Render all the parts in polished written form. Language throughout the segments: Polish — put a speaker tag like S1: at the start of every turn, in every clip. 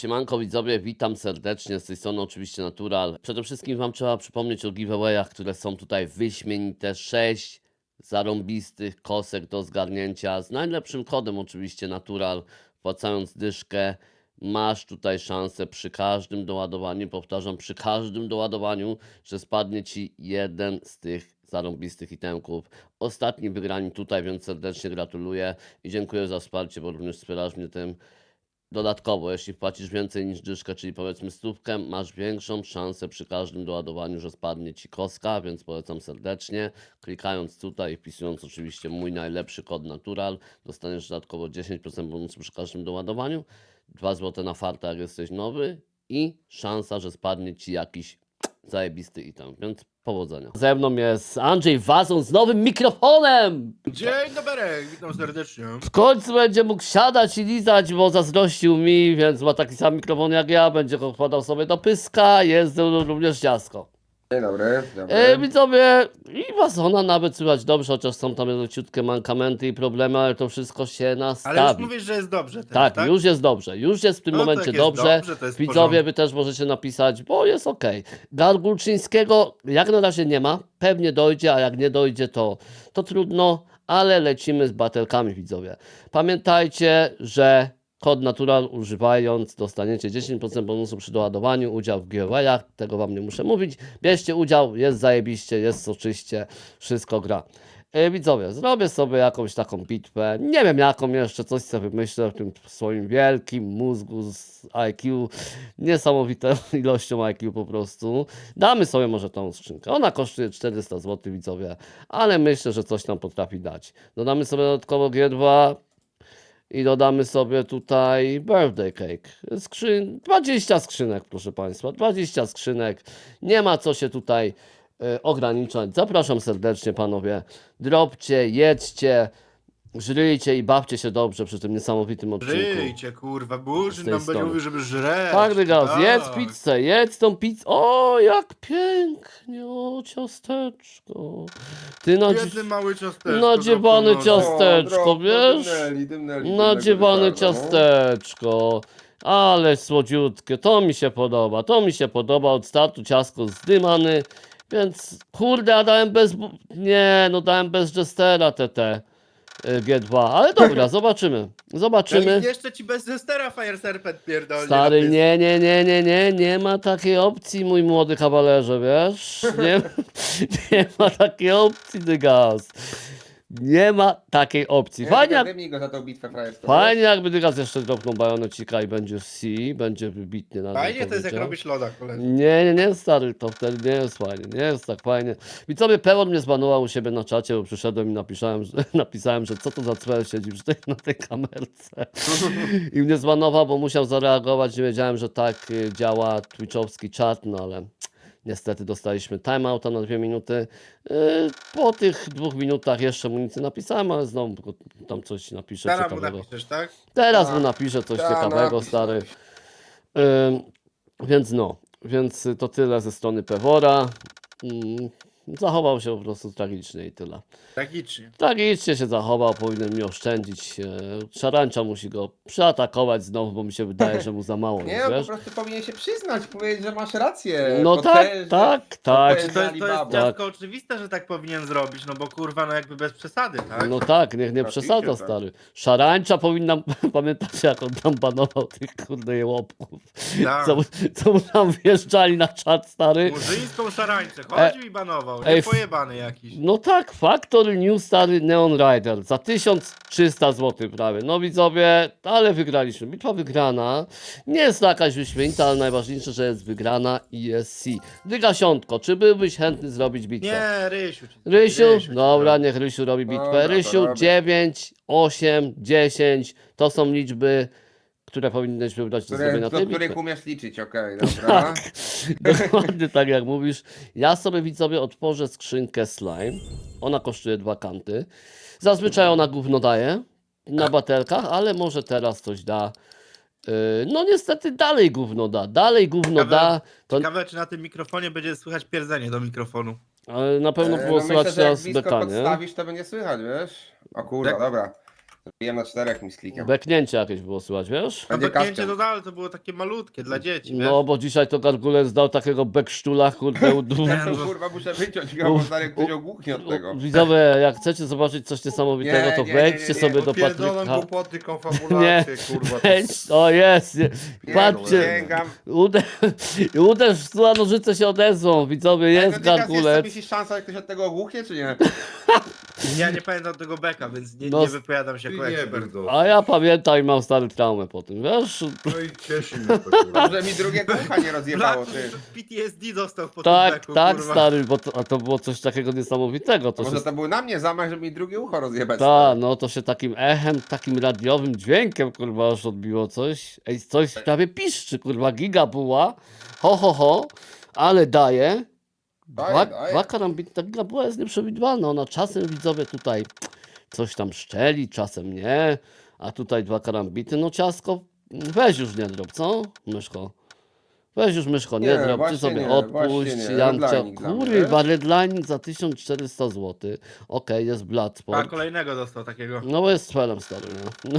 S1: Siemanko widzowie, witam serdecznie, z tej strony oczywiście Natural. Przede wszystkim wam trzeba przypomnieć o giveawayach, które są tutaj wyśmienite. 6 zarąbistych kosek do zgarnięcia z najlepszym kodem oczywiście Natural. Wpłacając dyszkę masz tutaj szansę przy każdym doładowaniu, powtarzam, przy każdym doładowaniu, że spadnie ci jeden z tych zarąbistych itemków. Ostatni wygrani tutaj, więc serdecznie gratuluję i dziękuję za wsparcie, bo również wspierasz mnie tym. Dodatkowo, jeśli wpłacisz więcej niż dyszkę, czyli powiedzmy 100, masz większą szansę przy każdym doładowaniu, że spadnie ci kostka, więc polecam serdecznie. Klikając tutaj i wpisując oczywiście mój najlepszy kod Natural, dostaniesz dodatkowo 10% bonusu przy każdym doładowaniu, 2 zł na farta jak jesteś nowy i szansa, że spadnie ci jakiś zajebisty item, więc powodzenia. Ze mną jest Andrzej Wazon z nowym mikrofonem!
S2: Dzień dobry, witam serdecznie.
S1: W końcu będzie mógł siadać i lizać, bo zazdrościł mi, więc ma taki sam mikrofon jak ja, będzie go wkładał sobie do pyska, jest ze mną również ciasko.
S3: Dzień dobry,
S1: Widzowie, i Wazona nawet słychać dobrze, chociaż są tam leciutkie mankamenty i problemy, ale to wszystko się nastawi.
S2: Ale już mówisz, że jest dobrze teraz,
S1: Tak, już jest dobrze, już jest w tym
S2: No to
S1: momencie
S2: jak jest
S1: dobrze.
S2: dobrze, to jest w
S1: Widzowie,
S2: porządku.
S1: wy też możecie napisać, bo jest ok. Gargulczyńskiego jak na razie nie ma, pewnie dojdzie, a jak nie dojdzie, to trudno, ale lecimy z batelkami, widzowie. Pamiętajcie, że kod Natural używając dostaniecie 10% bonusu przy doładowaniu, udział w giveawayach, tego wam nie muszę mówić. Bierzcie udział, jest zajebiście, jest soczyście, wszystko gra. Widzowie, zrobię sobie jakąś taką bitwę, nie wiem jaką jeszcze, coś sobie wymyślę w tym swoim wielkim mózgu z IQ, niesamowitą ilością IQ po prostu. Damy sobie może tą skrzynkę, ona kosztuje 400 zł, widzowie, ale myślę, że coś nam potrafi dać. Dodamy sobie dodatkowo G2 i dodamy sobie tutaj birthday cake. 20 skrzynek, proszę Państwa, 20 skrzynek, nie ma co się tutaj ograniczać. Zapraszam serdecznie, panowie. Dropcie, jedźcie, żryjcie i bawcie się dobrze przy tym niesamowitym odcinku.
S2: Żyjcie, kurwa, Burzy
S1: Z tej
S2: nam
S1: strony.
S2: będzie mówił, żeby żreć.
S1: Tak, Dygas,
S2: tak.
S1: jedz pizzę, jedz tą pizzę. O, jak pięknie, o, ciasteczko. Ty
S2: Biedny mały ciasteczko.
S1: nadziewany
S2: za północy.
S1: ciasteczko, wiesz? Nadziewane ciasteczko. Ale słodziutkie, to mi się podoba, to mi się podoba. Od startu ciastko zdymany, więc kurde, a dałem bez... Nie, no dałem bez Jestera te G2, ale dobra, zobaczymy, zobaczymy.
S2: I jeszcze ci bez zestera Fire Serpent pierdolnie.
S1: Stary, nie ma takiej opcji, mój młody kawalerze, wiesz? Nie ma takiej opcji, Dygas. Nie ma takiej opcji. Fajnie,
S3: Fajnie go za tą bitwę frajerską.
S1: fajnie jakby Dygas jeszcze dropnął bajonecika i będzie w C, będzie wybitnie na
S2: Fajnie to jest jak robisz loda, koledzy.
S1: Nie, stary, to wtedy nie jest fajnie, nie jest tak fajnie. Widzowie, Pełon mnie zbanował u siebie na czacie, bo przyszedłem i napisałem, że co to za cwel siedzi na tej kamerce. I mnie zbanował, bo musiał zareagować, nie wiedziałem, że tak działa twitchowski czat, no ale niestety dostaliśmy timeouta na 2 minuty. Po tych 2 minutach jeszcze mu nic nie napisałem, ale znowu tam coś napiszę
S2: Teraz mu
S1: ciekawego.
S2: napiszesz, tak?
S1: Teraz
S3: Tak.
S1: mu napiszę coś
S3: Tak,
S1: ciekawego,
S3: napisz,
S1: stary.
S3: napisz.
S1: Więc to tyle ze strony Pewora. Zachował się po prostu tragicznie i tyle.
S2: Tragicznie.
S1: Tragicznie się zachował, powinien mi oszczędzić. Szarańcza musi go przeatakować znowu, bo mi się wydaje, że mu za mało
S3: Nie,
S1: jest,
S3: no, po
S1: wiesz?
S3: prostu powinien się przyznać, powiedzieć, że masz rację.
S1: No
S3: Potężne-
S1: tak.
S3: potężne
S2: To jest
S3: Alibaba.
S2: ciastko oczywiste, że tak powinien zrobić, no bo kurwa, no jakby bez przesady, tak?
S1: No tak, niech nie
S3: Oczywiście,
S1: przesadza,
S3: tak.
S1: stary. Szarańcza powinna, pamiętacie jak on tam banował tych kurde jełopków,
S2: Tak.
S1: co mu tam wjeżdżali na czat, stary.
S2: Murzyńską szarańcę, chodził i banował,
S1: ej,
S2: nie pojebany jakiś.
S1: No tak, Factory New stary Neon Rider za 1300 zł prawie. No widzowie, ale wygraliśmy. Bitwa wygrana. Nie jest to jakaś wyśmienita, ale najważniejsze, że jest wygrana i jest C. Dygasiątko, czy byłbyś chętny zrobić bitwę?
S2: Nie, Rysiu.
S1: Rysiu? Dobra, niech Rysiu robi bitwę.
S3: Dobra, to
S1: Rysiu,
S3: robię.
S1: 9, 8, 10 to są liczby, które powinieneś wybrać do zrobienia
S3: Do
S1: tej
S3: których
S1: bitwy.
S3: umiesz liczyć, okej, dobra.
S1: Dokładnie tak jak mówisz. Ja sobie widzowie otworzę skrzynkę slime. Ona kosztuje 2 kanty. Zazwyczaj ona gówno daje na batelkach, ale może teraz coś da. No niestety dalej gówno da. Dalej gówno da. To
S2: Ciekawe, czy na tym mikrofonie będzie słychać pierdzenie do mikrofonu.
S1: na pewno było
S3: No
S1: słychać
S3: myślę, że jak
S1: teraz
S3: blisko
S1: beka, nie?
S3: podstawisz, to będzie słychać, wiesz? O kurwa,
S2: Jak-
S3: dobra. Jem na 4 mi z klikiem.
S1: Beknięcie jakieś było słychać, wiesz?
S2: A
S3: Będzie
S2: beknięcie
S3: kawkę.
S2: to dalej, to było takie malutkie dla dzieci, wiesz?
S1: No, bo dzisiaj to Gargulec dał takiego bekszczula, kurde,
S3: To kurwa muszę wyciąć go, bo stary ktoś ogłuchnie od tego.
S1: Widzowie, jak chcecie zobaczyć coś niesamowitego,
S3: Nie,
S1: to
S3: nie,
S1: wejdźcie
S3: nie, nie,
S1: sobie do
S4: Odpierdolam
S1: Patryka.
S4: głupoty, konfabulacje, kurwa. to
S1: Wejdź, o jest, patrzcie,
S3: Sięgam.
S1: uderz w stół, a nożyce się odezwą, widzowie, jest
S3: Jest
S1: Gargulec.
S3: Jest szansa, jak ktoś od tego ogłuchnie, czy nie?
S2: Ja nie pamiętam tego beka, więc nie,
S1: No,
S2: nie wypowiadam się
S4: Ty
S2: jako
S4: nie
S2: ekspert.
S4: pierdol.
S1: A ja pamiętam i mam stary traumę po tym, wiesz?
S4: No i cieszy mnie to, kurwa.
S3: Może mi drugiego ucha nie rozjebało, ty.
S2: PTSD dostał po
S1: Tak,
S2: tym beku,
S1: tak,
S2: kurwa.
S1: stary, bo to, a to było coś takiego niesamowitego. To
S3: Może
S1: się,
S3: to był na mnie zamach, żeby mi drugie ucho rozjebać.
S1: ta, no to się takim echem, takim radiowym dźwiękiem, kurwa, aż odbiło coś. Ej, coś prawie piszczy, kurwa, giga była, ho, ale daje.
S3: Daje.
S1: Dwa karambity, ta giga była jest nieprzewidywalna, ona czasem, widzowie, tutaj coś tam szczeli, czasem nie, a tutaj 2 karambity, no ciasko, weź już nie drop, co, myszko? Weź już myszko, nie
S3: Nie,
S1: drop, ty
S3: właśnie
S1: sobie
S3: nie,
S1: odpuść,
S3: właśnie nie.
S1: ja bym chciał,
S3: Redlining dla mnie,
S1: kurwa, redlining za 1400 zł, okej, jest
S2: A
S1: Bloodsport,
S2: kolejnego dostał takiego.
S1: no bo jest spelem stary, nie?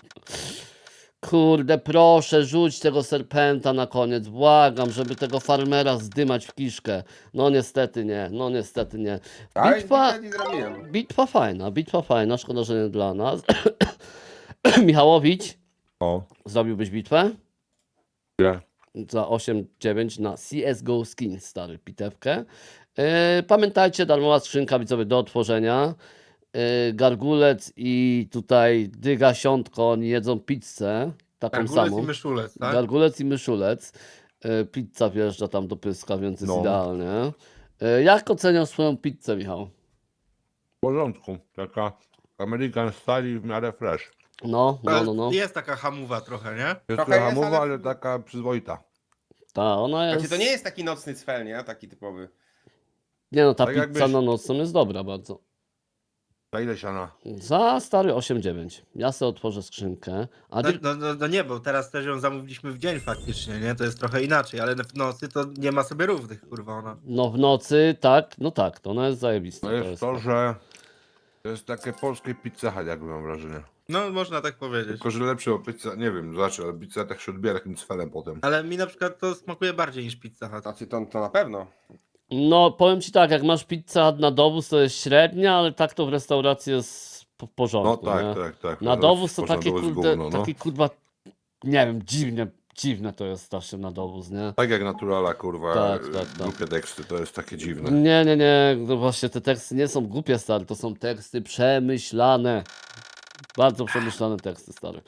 S1: Kurde, proszę, rzuć tego serpenta na koniec, błagam, żeby tego farmera zdymać w kiszkę, no niestety nie,
S3: Ale
S1: bitwa,
S3: nie zrobiłem.
S1: bitwa fajna, szkoda, że nie dla nas. Michałowicz,
S4: O,
S1: zrobiłbyś bitwę?
S4: ja.
S1: Za 8,9 na CSGO Skins, stary, pitewkę. Pamiętajcie, darmowa skrzynka, widzowie, do otworzenia. Gargulec i tutaj Dyga Siątko, oni jedzą pizzę, taką
S2: Gargulec
S1: samą.
S2: i myszulec, tak?
S1: Gargulec i myszulec. Pizza wjeżdża tam do pyska, więc jest
S4: No.
S1: idealnie. Jak oceniał swoją pizzę, Michał?
S4: W porządku. Taka American Style i w miarę fresh.
S1: No.
S2: Jest taka hamuwa trochę, nie?
S4: Jest
S3: Trochę
S4: trochę
S3: jest,
S4: hamowa,
S3: ale-
S4: ale taka przyzwoita.
S1: Ta, ona jest...
S3: Znaczy to nie jest taki nocny cfel, nie? Taki typowy.
S1: Nie no, ta
S4: Tak
S1: pizza
S4: jakbyś-
S1: na nocą jest dobra bardzo.
S4: Za ile siana?
S1: Za stary 8,9. Ja sobie otworzę skrzynkę. A ty...
S2: No nie, bo teraz też ją zamówiliśmy w dzień faktycznie, nie? To jest trochę inaczej, ale w nocy to nie ma sobie równych, kurwa, ona.
S1: No w nocy, tak, no tak, to ona jest zajebista.
S4: To jest to, że to jest takie polskie pizza hut, jakby mam wrażenie.
S2: No, można tak powiedzieć.
S4: Tylko, że lepsze o pizza, nie wiem, znaczy, ale pizza tak się odbiera takim cfelem potem.
S2: Ale mi na przykład to smakuje bardziej niż Pizza Hut.
S3: Znaczy to na pewno.
S1: No powiem ci tak, jak masz pizzę na dowóz, to jest średnia, ale tak to w restauracji jest w
S4: No
S1: porządku,
S4: tak,
S1: nie?
S4: tak.
S1: Na dowóz to takie
S4: Porządkowe
S1: kurde,
S4: gówno, no.
S1: taki kurwa, nie wiem, dziwne to jest strasznie na dowóz, nie?
S4: Tak jak Naturala, kurwa,
S1: Tak.
S4: głupie teksty, to jest takie dziwne.
S1: Nie, no właśnie te teksty nie są głupie, stary, to są teksty przemyślane. Bardzo przemyślane teksty, stary.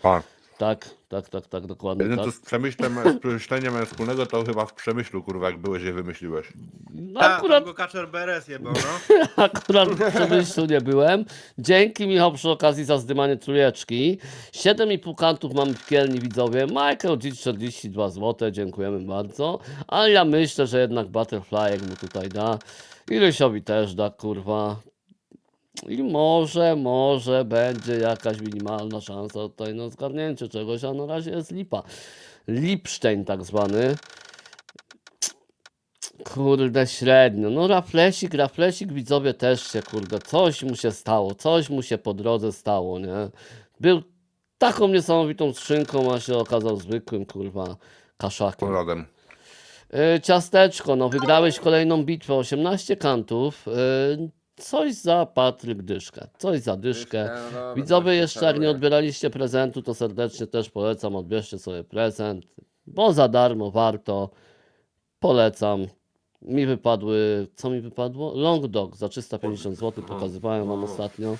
S1: Tak, dokładnie
S4: Jedyne
S1: tak.
S4: co z przemyśleniem mają wspólnego, to chyba w przemyślu, kurwa, jak byłeś je wymyśliłeś.
S1: No
S2: Tak,
S1: akurat,
S2: go Kaczor BRS jebał, no.
S1: akurat w przemyślu nie byłem. Dzięki Michał przy okazji za zdymanie trójeczki. 7,5 kantów mamy w kielni, widzowie. Michael G 42 zł, dziękujemy bardzo. Ale ja myślę, że jednak Butterfly mu tutaj da. I Rysiowi też da, kurwa. I może będzie jakaś minimalna szansa tutaj na zgarnięcie czegoś, a na razie jest lipa. Lipsztejn tak zwany. Kurde, średnio. No raflesik, widzowie też się, kurde, coś mu się stało, coś mu się po drodze stało, nie? Był taką niesamowitą skrzynką, a się okazał zwykłym, kurwa, kaszakiem.
S4: Konradem.
S1: Ciasteczko, no wygrałeś kolejną bitwę, 18 kantów. Coś za Patryk Dyszkę, coś za dyszkę.
S3: No dobra,
S1: Widzowie,
S3: to się
S1: jeszcze jak nie
S3: szanuje.
S1: odbieraliście prezentu, to serdecznie też polecam, odbierzcie sobie prezent, bo za darmo warto. Polecam. Mi wypadły, co mi wypadło? Long Dog za 350 zł, pokazywałem wam ostatnio.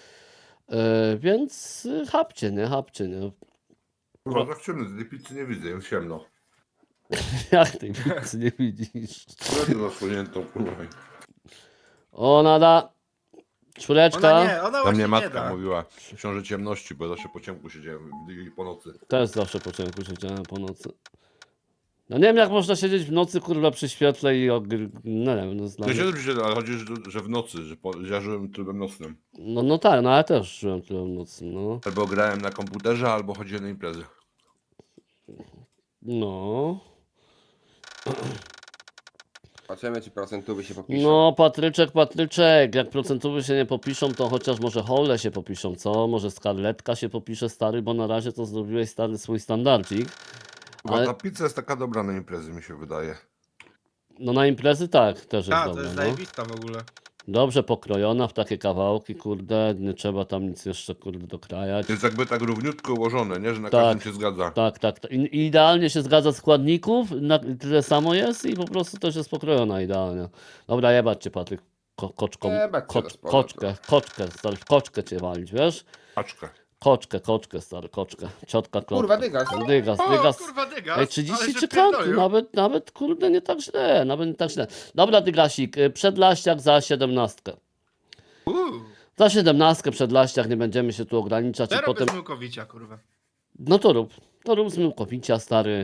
S1: Więc chapcie, nie?
S4: Kurwa, tak ciemno, tej pizzy nie widzę, jest ciemno.
S1: Jak tej pizzy nie widzisz?
S4: Radio zasłoniętą, kurwa.
S1: Ona da. Czwóreczka.
S2: Ona
S4: Na
S2: właśnie
S4: mnie
S2: nie
S4: matka
S2: da.
S4: mówiła, książę ciemności, bo zawsze po ciemku siedziałem i po nocy.
S1: Też zawsze po ciemku siedziałem po nocy. No nie wiem jak można siedzieć w nocy, kurwa, przy świetle i no nie wiem, no dla
S4: Nie
S1: mnie...
S4: siedzę się, ale chodzi, że w nocy, że ja żyłem trybem nocnym.
S1: No tak, no ja też żyłem tyle w nocy, no.
S4: Albo grałem na komputerze, albo chodziłem na imprezy.
S1: No.
S3: Zobaczymy, czy procentówy się popiszą.
S1: No, Patryczek, jak procentowy się nie popiszą, to chociaż może Hole się popiszą, co? Może Skarletka się popisze, stary, bo na razie to zrobiłeś, stary, swój standardzik.
S4: Chyba
S1: Ale-
S4: ta pizza jest taka dobra na imprezy, mi się wydaje.
S1: No na imprezy tak, też jest
S2: A, to
S1: dobre,
S2: jest
S1: no.
S2: zajebista w ogóle.
S1: Dobrze pokrojona w takie kawałki, kurde, nie trzeba tam nic jeszcze, kurde, dokrajać.
S4: Jest jakby tak równiutko ułożone, nie? Że na
S1: Tak.
S4: każdym się zgadza.
S1: Tak. I idealnie się zgadza składników, tyle samo jest i po prostu też jest pokrojona idealnie. Dobra, jebać cię, Patryk, koczką,
S3: Jebać cię, gospodarzu.
S1: koczkę, stary, w koczkę cię walić, wiesz?
S4: Paczkę.
S1: Koczkę, stary, koczkę. Ciotka klotka.
S3: Kurwa, dygas.
S1: Dygas.
S2: O, kurwa, dygas.
S1: Ej,
S2: ale
S1: 33
S2: się
S1: kanty,
S2: pierdolił.
S1: nawet, kurde, nie tak źle, nawet nie tak źle. Dobra, Dygasik, Przedlaściak za 17. Za 17 Przedlaściak, nie będziemy się tu ograniczać i
S2: Teraz
S1: potem...
S2: bez Myłkowicia, kurwa.
S1: No to rób z Myłkowicia, stary.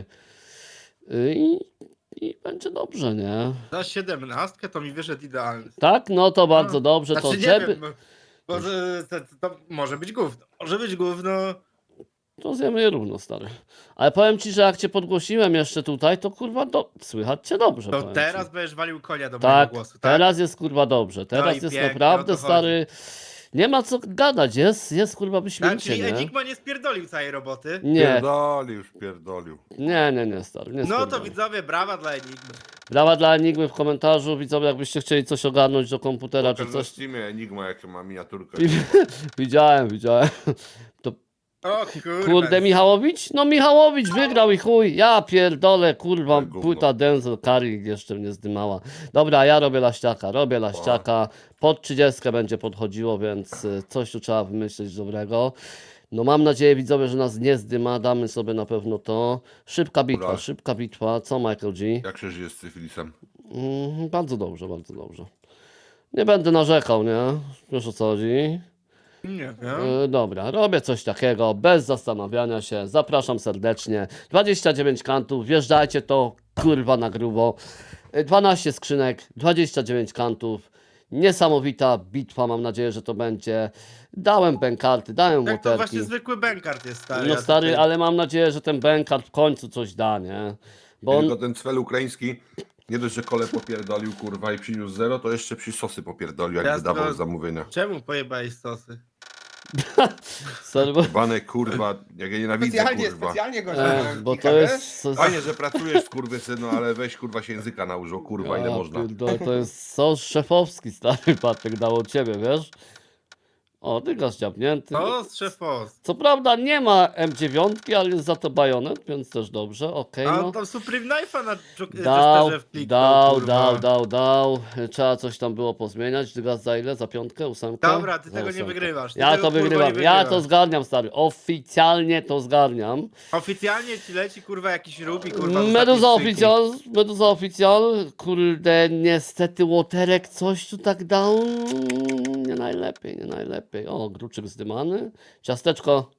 S1: I będzie dobrze, nie?
S2: Za 17 to mi wyszedł idealny.
S1: Tak? No to bardzo dobrze, to
S2: Znaczy, nie
S1: żeby...
S2: wiem, może to może być gówno. Może być gówno.
S1: To zjemy je równo, stary. Ale powiem ci, że jak cię podgłosiłem jeszcze tutaj, to kurwa, słychać cię dobrze,
S2: To
S1: powiem
S2: teraz
S1: ci.
S2: będziesz walił konia do
S1: Tak,
S2: mojego głosu, tak?
S1: teraz jest kurwa dobrze. Teraz
S2: i
S1: jest
S2: pięknie,
S1: naprawdę,
S2: o to
S1: stary... Nie ma co gadać, jest kurwa
S2: Tak,
S1: wyśmienicie,
S2: czyli
S1: nie?
S2: Enigma nie spierdolił całej roboty.
S1: Nie,
S4: Pierdolił.
S1: nie, stary, nie
S2: No to
S1: spierdolę.
S2: widzowie, brawa dla Enigmy.
S1: Brawa dla Enigmy w komentarzu, widzowie, jakbyście chcieli coś ogarnąć do komputera czy
S4: Pokaż na
S1: coś.
S4: Steamie Enigma, jakie ma miniaturkę.
S1: Widziałem.
S2: O
S1: Kurde, Michałowicz? No Michałowicz wygrał i chuj. Ja pierdolę, kurwa,
S4: Ale gówno.
S1: płyta Denzel Curry jeszcze mnie zdymała. Dobra, ja robię laściaka. Pod 30 będzie podchodziło, więc coś tu trzeba wymyślić dobrego. No mam nadzieję, widzowie, że nas nie zdyma, damy sobie na pewno to. Szybka bitwa. Co Michael G?
S4: Jak się żyje z syfilisem?
S1: Bardzo dobrze. Nie będę narzekał, nie? Wiesz o co chodzi?
S2: Nie wiem.
S1: Dobra, robię coś takiego, bez zastanawiania się, zapraszam serdecznie, 29 kantów, wjeżdżajcie to, kurwa na grubo, 12 skrzynek, 29 kantów, niesamowita bitwa, mam nadzieję, że to będzie, dałem bękarty, dałem
S2: Tak to
S1: moterki,
S2: właśnie zwykły bankart jest, stary.
S1: no
S2: a
S1: stary,
S2: tutaj-
S1: ale mam nadzieję, że ten bękart w końcu coś da, nie, bo
S4: Tylko
S1: on,
S4: ten cwel ukraiński, nie dość, że kole popierdolił, kurwa, i przyniósł 0, to jeszcze przy sosy popierdolił, jak
S2: Ja
S4: wydawał
S2: to-
S4: zamówienia.
S2: Czemu pojebałeś stosy?
S1: serwo,
S4: Bane, kurwa, jak ja nienawidzę, kurwa.
S3: Specjalnie go
S1: bo to jest...
S4: Fajnie, że pracujesz, skurwysynu, ale weź, kurwa, się języka nauczył, kurwa, ile
S1: Ja
S4: można.
S1: pierdolę, to jest sos szefowski, stary Patryk dał od ciebie, wiesz? O, dygas dziabnięty.
S2: To z szefos.
S1: Co prawda nie ma M9, ale jest za to bajonet, więc też dobrze, okej,
S2: A
S1: no.
S2: tam Supreme Knife'a na
S1: Dał,
S2: testerze wkliknął, kurwa.
S1: dał. Trzeba coś tam było pozmieniać. Dygas za ile? Za 5, 8?
S2: Dobra, ty
S1: Za
S2: tego nie
S1: 8.
S2: wygrywasz. Ty
S1: Ja
S2: tego,
S1: to
S2: kurwa,
S1: wygrywam,
S2: nie
S1: ja to
S2: wygrywasz.
S1: zgarniam, stary. Oficjalnie to zgarniam.
S2: Oficjalnie ci leci, kurwa, jakiś Rubi, kurwa. z
S1: Meduza
S2: ostatniej skrzynki.
S1: oficjal, kurde, niestety Łoterek coś tu tak dał, nie najlepiej, o, gruczyk zdymany, ciasteczko,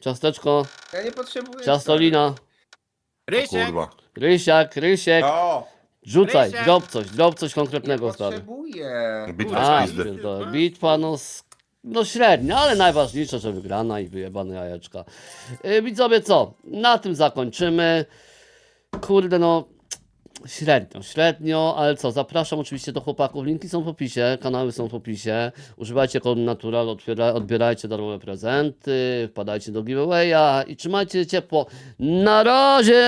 S3: Ja nie potrzebuję.
S1: ciastolina,
S4: O,
S2: Rysiek,
S4: kurwa.
S1: rysiek,
S3: O!
S1: rzucaj,
S2: Rysiek.
S1: drop coś
S3: Nie
S1: konkretnego, stary.
S3: potrzebuję.
S4: Bitwa
S1: A,
S4: z pizdy.
S1: pierdolę, bitwa, no średnia, ale najważniejsze, że wygrana i wyjebane jajeczka. Widzowie, co? Na tym zakończymy. Kurde, no średnio, ale co? Zapraszam oczywiście do chłopaków. Linki są w opisie, kanały są w opisie. Używajcie kodu Natural, odbierajcie darmowe prezenty, wpadajcie do giveawaya i trzymajcie się ciepło. Na razie!